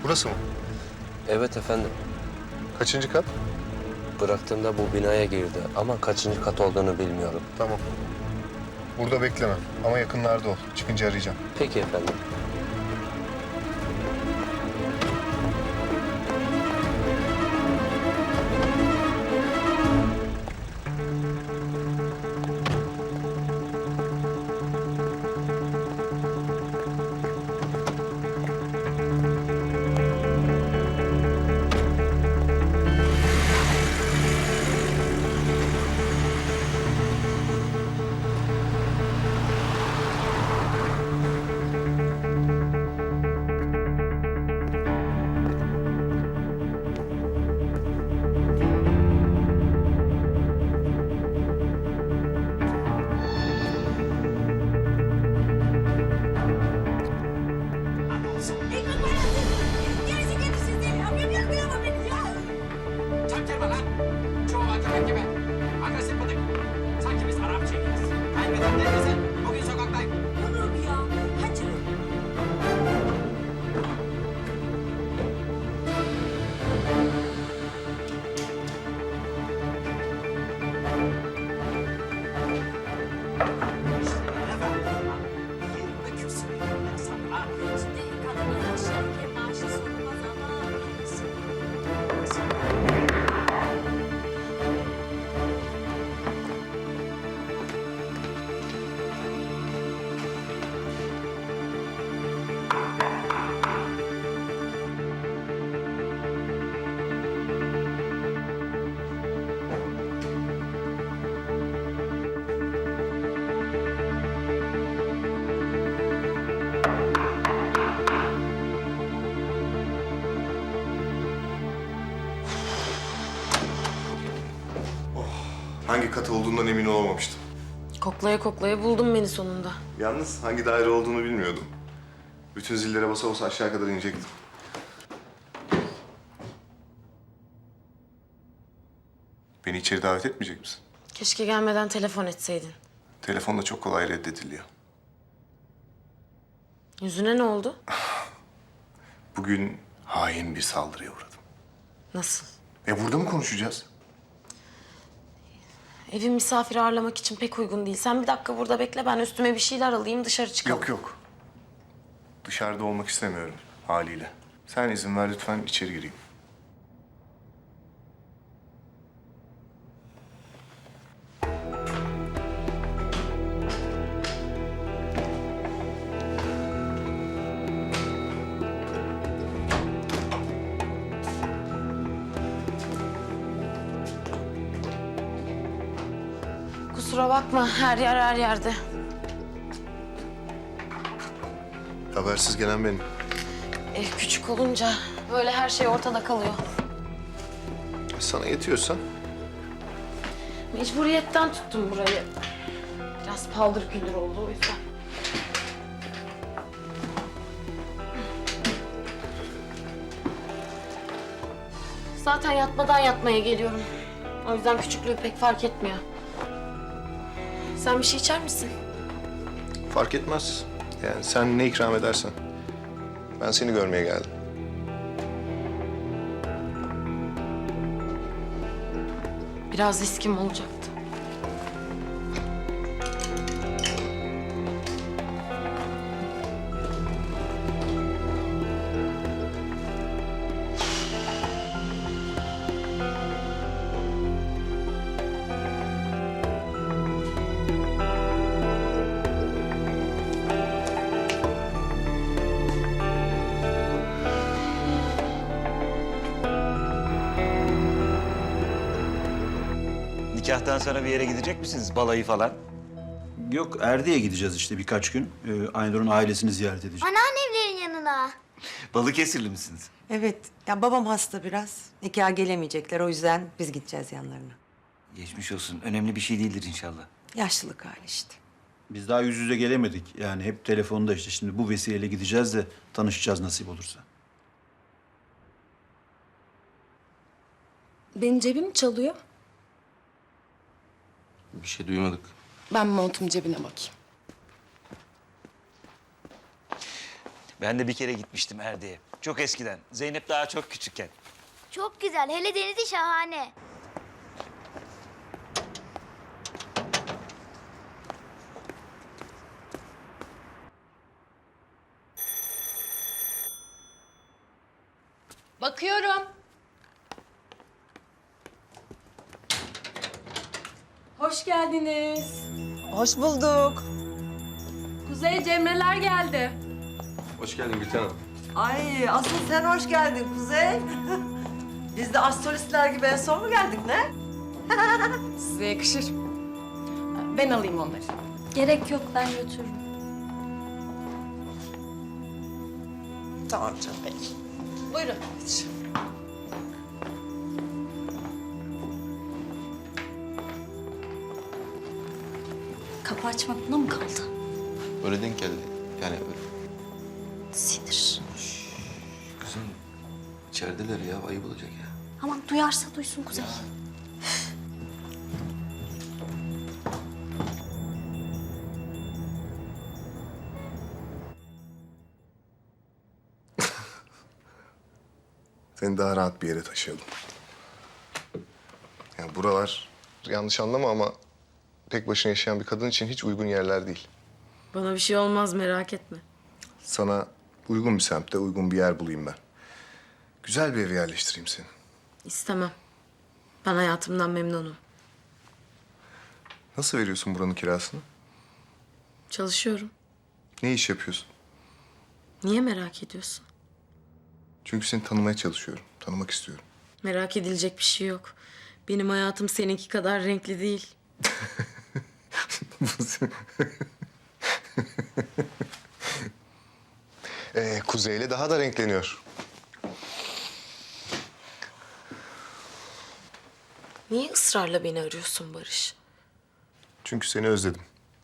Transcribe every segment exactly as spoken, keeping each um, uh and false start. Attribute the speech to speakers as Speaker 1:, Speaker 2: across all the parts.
Speaker 1: Burası mı?
Speaker 2: Evet efendim.
Speaker 1: Kaçıncı kat?
Speaker 2: Bıraktığımda bu binaya girdi ama kaçıncı kat olduğunu bilmiyorum.
Speaker 1: Tamam. Burada bekleme ama yakınlarda ol. Çıkınca arayacağım.
Speaker 2: Peki efendim.
Speaker 3: Çaktırma lan. Çoğu akıllı gibi. Agresif bıdık. Sanki biz Arap çekiyiz. Kaybeden neredesin? Bugün sokaktayım.
Speaker 4: Olur ya. Hadi.
Speaker 3: Yirmi küsur yıllık sana.
Speaker 4: Şimdi kadının yaşarken maaşı sorulmaz ama neyse.
Speaker 1: Hangi kat olduğundan emin olamamıştım.
Speaker 5: Koklaya koklaya buldun beni sonunda.
Speaker 1: Yalnız hangi daire olduğunu bilmiyordum. Bütün zillere basa basa aşağı kadar inecektim. Beni içeri davet etmeyecek misin?
Speaker 5: Keşke gelmeden telefon etseydin.
Speaker 1: Telefonda çok kolay reddediliyor.
Speaker 5: Yüzüne ne oldu?
Speaker 1: Bugün hain bir saldırıya uğradım.
Speaker 5: Nasıl?
Speaker 1: E burada mı konuşacağız?
Speaker 5: Evin misafir ağırlamak için pek uygun değil. Sen bir dakika burada bekle, ben üstüme bir şeyler alayım, dışarı çıkalım.
Speaker 1: Yok yok. Dışarıda olmak istemiyorum haliyle. Sen izin ver lütfen içeri gireyim.
Speaker 5: Kusura bakma, her yer her yerde.
Speaker 1: Habersiz gelen benim.
Speaker 5: Ev küçük olunca böyle her şey ortada kalıyor.
Speaker 1: Sana yetiyorsa.
Speaker 5: Mecburiyetten tuttum burayı. Biraz paldır küldür oldu o yüzden. Zaten yatmadan yatmaya geliyorum. O yüzden küçüklüğü pek fark etmiyor. Sen bir şey içer misin?
Speaker 1: Fark etmez. Yani sen ne ikram edersen. Ben seni görmeye geldim.
Speaker 5: Biraz riskim olacaktı.
Speaker 6: Nikahtan sonra bir yere gidecek misiniz? Balayı falan.
Speaker 7: Yok, Erdi'ye gideceğiz işte birkaç gün. Ee, Aynur'un ailesini ziyaret edeceğiz.
Speaker 4: Anneannemlerin yanına.
Speaker 6: Balıkesirli misiniz?
Speaker 8: Evet, ya babam hasta biraz. Nikaha gelemeyecekler, o yüzden biz gideceğiz yanlarına.
Speaker 6: Geçmiş olsun. Önemli bir şey değildir inşallah.
Speaker 8: Yaşlılık hali işte.
Speaker 7: Biz daha yüz yüze gelemedik. Yani hep telefonda işte. Şimdi bu vesileyle gideceğiz de tanışacağız nasip olursa.
Speaker 9: Benim cebim çalıyor.
Speaker 2: Bir şey duymadık.
Speaker 9: Ben montum cebine bakayım.
Speaker 6: Ben de bir kere gitmiştim Erde'ye. Çok eskiden. Zeynep daha çok küçükken.
Speaker 9: Çok güzel. Hele denizi şahane.
Speaker 10: Bakıyorum. Hoş geldiniz.
Speaker 8: Hoş bulduk.
Speaker 10: Kuzey Cemreler geldi.
Speaker 1: Hoş geldin Gülten Hanım.
Speaker 8: Ay asıl sen hoş geldin Kuzey. Biz de astrolistler gibi en son mu geldik ne?
Speaker 10: Size yakışır. Ben alayım onları.
Speaker 9: Gerek yok, ben götürürüm.
Speaker 8: Tamam canım.
Speaker 10: Buyurun.
Speaker 9: Kapı açmak buna mı kaldı?
Speaker 1: Öyle denk geldi. Yani öyle.
Speaker 9: Sinir.
Speaker 1: Kızım içerideler ya. Ayıp olacak ya.
Speaker 9: Aman duyarsa duysun Kuzey.
Speaker 1: Seni daha rahat bir yere taşıyalım. Yani buralar yanlış anlama ama tek başına yaşayan bir kadın için hiç uygun yerler değil.
Speaker 5: Bana bir şey olmaz merak etme.
Speaker 1: Sana uygun bir semtte uygun bir yer bulayım ben. Güzel bir eve yerleştireyim seni.
Speaker 5: İstemem. Ben hayatımdan memnunum.
Speaker 1: Nasıl veriyorsun buranın kirasını?
Speaker 5: Çalışıyorum.
Speaker 1: Ne iş yapıyorsun?
Speaker 5: Niye merak ediyorsun?
Speaker 1: Çünkü seni tanımaya çalışıyorum. Tanımak istiyorum.
Speaker 5: Merak edilecek bir şey yok. Benim hayatım seninki kadar renkli değil.
Speaker 1: ee, kuzeyle daha da renkleniyor.
Speaker 5: Niye ısrarla beni arıyorsun Barış?
Speaker 1: Çünkü seni özledim.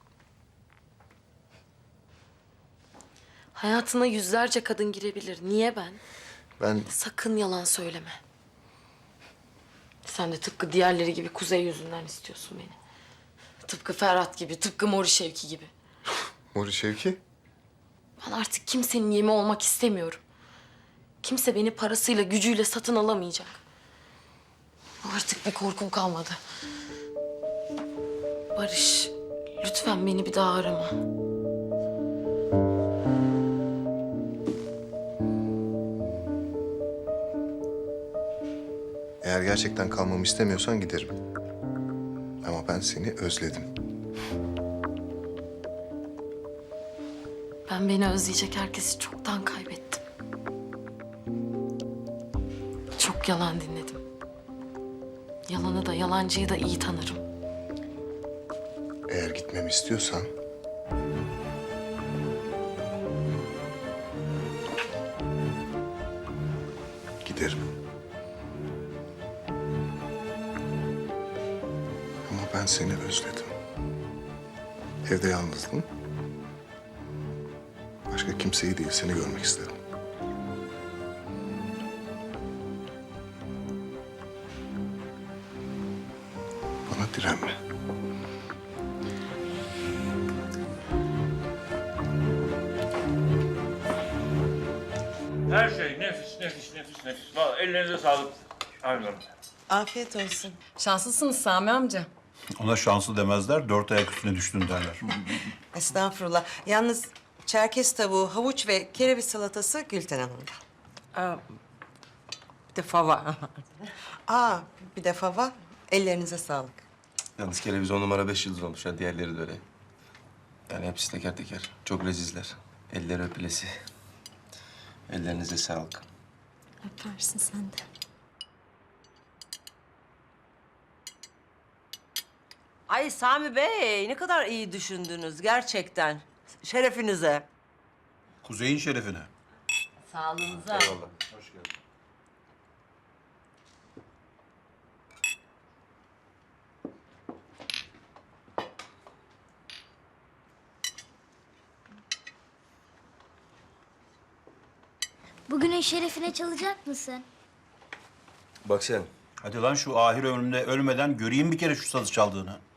Speaker 5: Hayatına yüzlerce kadın girebilir. Niye ben?
Speaker 1: Ben
Speaker 5: Sakın yalan söyleme. Sen de tıpkı diğerleri gibi Kuzey yüzünden istiyorsun beni. Tıpkı Ferhat gibi, tıpkı Mori Şevki gibi.
Speaker 1: Mori Şevki.
Speaker 5: Ben artık kimsenin yemi olmak istemiyorum. Kimse beni parasıyla, gücüyle satın alamayacak. Artık bir korkum kalmadı. Barış, lütfen beni bir daha arama.
Speaker 1: Eğer gerçekten kalmamı istemiyorsan giderim. Ama ben seni özledim.
Speaker 5: Ben beni özleyecek herkesi çoktan kaybettim. Çok yalan dinledim. Yalanı da yalancıyı da iyi tanırım.
Speaker 1: Eğer gitmemi istiyorsan... giderim. Ama ben seni özledim. Evde yalnızdım. Başka kimseyi değil, seni görmek istedim. Bana direnme.
Speaker 11: Her şey nefis, nefis, nefis, nefis. Vallahi ellerinize sağlık. Aynen.
Speaker 8: Afiyet olsun.
Speaker 10: Şanslısınız Sami amca.
Speaker 7: Ona şanslı demezler, dört ayak üstüne düştün derler.
Speaker 8: Estağfurullah. Yalnız Çerkez tavuğu, havuç ve kereviz salatası Gülten Hanım'da.
Speaker 10: Bir de fava.
Speaker 8: Aa, bir de fava. Ellerinize sağlık.
Speaker 12: Yalnız kereviz on numara beş yıldız olmuş ha. Diğerleri de öyle. Yani hepsi teker teker. Çok lezizler. Eller öpülesi. Ellerinize sağlık.
Speaker 9: Öpersin sen de.
Speaker 8: Ay Sami Bey, ne kadar iyi düşündünüz gerçekten. Şerefinize.
Speaker 7: Kuzey'in şerefine.
Speaker 8: Sağlığınıza.
Speaker 12: Eyvallah. Hoş geldin.
Speaker 9: Bugünün şerefine çalacak mısın?
Speaker 12: Bak sen.
Speaker 7: Hadi lan şu ahir ömrümde ölmeden göreyim bir kere şu sazı çaldığını.